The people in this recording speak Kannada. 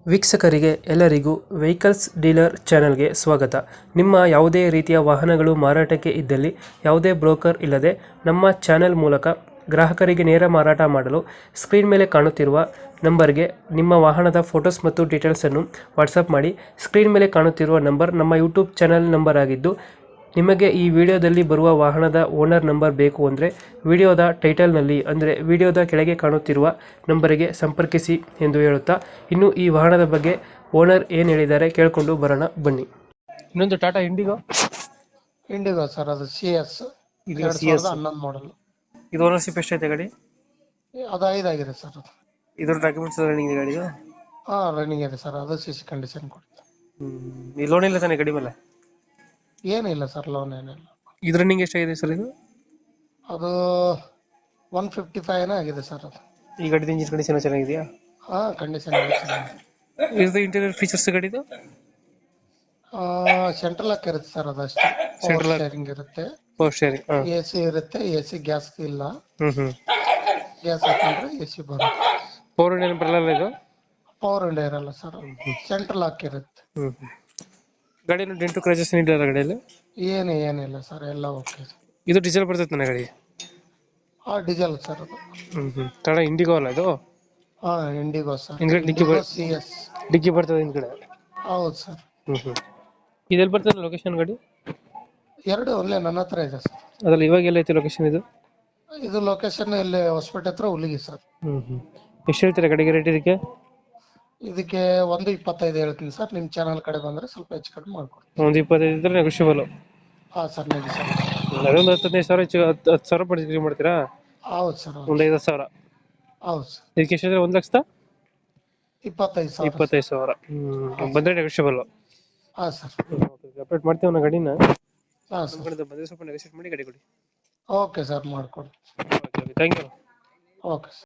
ವೀಕ್ಷಕರಿಗೆ ಎಲ್ಲರಿಗೂ ವೆಹಿಕಲ್ಸ್ ಡೀಲರ್ ಚಾನೆಲ್ಗೆ ಸ್ವಾಗತ. ನಿಮ್ಮ ಯಾವುದೇ ರೀತಿಯ ವಾಹನಗಳು ಮಾರಾಟಕ್ಕೆ ಇದ್ದಲ್ಲಿ ಯಾವುದೇ ಬ್ರೋಕರ್ ಇಲ್ಲದೆ ನಮ್ಮ ಚಾನೆಲ್ ಮೂಲಕ ಗ್ರಾಹಕರಿಗೆ ನೇರ ಮಾರಾಟ ಮಾಡಲು ಸ್ಕ್ರೀನ್ ಮೇಲೆ ಕಾಣುತ್ತಿರುವ ನಂಬರ್ಗೆ ನಿಮ್ಮ ವಾಹನದ ಫೋಟೋಸ್ ಮತ್ತು ಡೀಟೇಲ್ಸನ್ನು ವಾಟ್ಸಪ್ ಮಾಡಿ. ಸ್ಕ್ರೀನ್ ಮೇಲೆ ಕಾಣುತ್ತಿರುವ ನಂಬರ್ ನಮ್ಮ ಯೂಟ್ಯೂಬ್ ಚಾನೆಲ್ ನಂಬರ್ ಆಗಿದ್ದು, ನಿಮಗೆ ಈ ವಿಡಿಯೋದಲ್ಲಿ ಬರುವ ವಾಹನದ ಓನರ್ ನಂಬರ್ ಬೇಕು ಅಂದರೆ ವಿಡಿಯೋದ ಟೈಟಲ್ನಲ್ಲಿ ಅಂದರೆ ವಿಡಿಯೋದ ಕೆಳಗೆ ಕಾಣುತ್ತಿರುವ ನಂಬರಿಗೆ ಸಂಪರ್ಕಿಸಿ ಎಂದು ಹೇಳುತ್ತಾ, ಇನ್ನು ಈ ವಾಹನದ ಬಗ್ಗೆ ಓನರ್ ಏನು ಹೇಳಿದ್ದಾರೆ ಕೇಳಿಕೊಂಡು ಬರೋಣ ಬನ್ನಿ. ಇನ್ನೊಂದು ಟಾಟಾ ಇಂಡಿಗೋ ಸರ್, ಅದು CS ಇದು 2011 ಮಾಡಲ್. ಇದು ಓನರ್ಶಿಪ್ ಎಷ್ಟೈತೆ ಗಾಡಿ? ಅದು 5 ಆಗಿದೆ ಸರ್. ಅದು ಇದ್ರ ಡಾಕ್ಯುಮೆಂಟ್ಸ್ ರನ್ನಿಂಗ್ ಇದೆ ಗಾಡಿದು? ರನ್ನಿಂಗ್ ಇದೆ ಸರ್. ಅದು CC ಕಂಡೀಷನ್ ಕೊಡುತ್ತೆ. ಈ ಲೋನ್ ಇಲ್ಲ ತಾನೆ ಗಾಡಿ ಮೇಲೆ? ಏನಿಲ್ಲ ಸರ್, ಲೋನ್ ಏನಿಲ್ಲ. ಇದು ರನ್ನಿಂಗ್ ಎಷ್ಟಾಗಿದೆ ಸರ್ ಇದು? ಅದು 155 ಆಗಿದೆ ಸರ್. ಅದು ಈ ಗಾಡಿದ ಇಂಜಿನ್ ಕಂಡೀಷನ್ ಚೆನ್ನಾಗಿದೆಯಾ? ಕಂಡೀಷನ್ ಇದು ಇಂಟೀರಿಯರ್ ಫೀಚರ್ಸ್ ಗಾಡಿದು? ಸೆಂಟ್ರಲ್ ಲಾಕ್ ಇರುತ್ತೆ ಸರ್. ಅದಷ್ಟೇ. Central lock. ಶೇರಿಂಗ್ ಇರುತ್ತೆ, ಪವರ್ ಸ್ಟೇರಿಂಗ್. AC ಇರುತ್ತೆ. AC ಗ್ಯಾಸ್ ಇಲ್ಲ. ಗ್ಯಾಸ್ ಹಾಕೊಂಡ್ರೆ AC ಬರುತ್ತೆ. ಪವರ್ ವಿಂಡೋ ಬರಲ್ಲ ಇದು? ಪವರ್ ವಿಂಡೋ ಇರಲ್ಲ ಸರ್. ಸೆಂಟ್ರಲ್ ಲಾಕ್ ಇರುತ್ತೆ. ಗಾಡಿಯಲ್ಲಿ ಡೆಂಟು ಕ್ರಾಚಸ್ ಇಲ್ಲ ಗಾಡಿಯಲ್ಲಿ? ಏನಿಲ್ಲ ಸರ್, ಎಲ್ಲ ಓಕೆ. ಇದು ಡೀಸೆಲ್ ಬರ್ತೈತೆ ನನ್ನ ಗಾಡಿ? Diesel sir. ಅದು ತಡ ಇಂಡಿಗೋ ಅಲ್ಲ ಇದು? IndiGo sir. ಹಿಂದ್ಗಡೆ CS ಡಿಕ್ಕಿ ಬರ್ತದೆ ಹಿಂದ್ಗಡೆ? ಹೌದು ಸರ್. ಇದೆಲ್ಲಿ ಬರ್ತದೆ ಲೊಕೇಶನ್ ಗಾಡಿ? ಎರಡು ಒಳ್ಳೆ ನನ್ನ ಹತ್ರ ಇದೆ ಸರ್. ಅದ್ರಲ್ಲಿ ಇವಾಗ ಎಲ್ಲ ಐತಿ ಲೊಕೇಶನ್ ಇದು? ಇದು ಲೊಕೇಶನ್ ಇಲ್ಲಿ ಹೊಸಪೇಟೆ ಹತ್ರ ಹುಲಿಗಿ ಸರ್. ಎಷ್ಟು ಹೇಳ್ತೀರಾ ಗಾಡಿಗೆ ರೇಟ್ ಇದಕ್ಕೆ? ಇದಕ್ಕೆ 125 ಹೇಳ್ತೀನಿ ಸರ್. ನಿಮ್ ಚಾನಲ್ ಕಡೆ ಬಂದ್ರೆ ಸ್ವಲ್ಪ ಹೆಚ್ಚು ಕಡಿಮೆ ಮಾಡ್ಕೊಡ್ತೀನಿ. ಒಂದು 25 ಇದ್ರೆ ನೆಗೋಷಿಯಬಲ್? Sir, ನೆಗಿ sir. ಅದೊಂದು 10-15 ಸಾವಿರ 10,000 ಪರ್ಚೇಸ್ ಮಾಡ್ತೀರಾ? ಹೌದು ಸರ್. ಒಂದು 5,000? ಹೌದು ಸರ್. ಇದಕ್ಕೆ ಎಷ್ಟಿದ್ರೆ 1,25,000. 1,25,000 ಬಂದ್ರೆ ನೆಗೋಷಿಯಬಲ್? ಸರ್. ಅಪ್ಡೇಟ್ ಮಾಡ್ತೀವಿ ನಾವು ಗಾಡಿನ. ಸರ್. ಬಂದ್ರೆ ಸ್ವಲ್ಪ ನೆಗೋಷಿಯೇಟ್ ಮಾಡಿ ಗಾಡಿ ಕೊಡಿ. ಓಕೆ ಸರ್, ಮಾಡ್ಕೊಡ್ತೀನಿ. Thank you. Okay sir.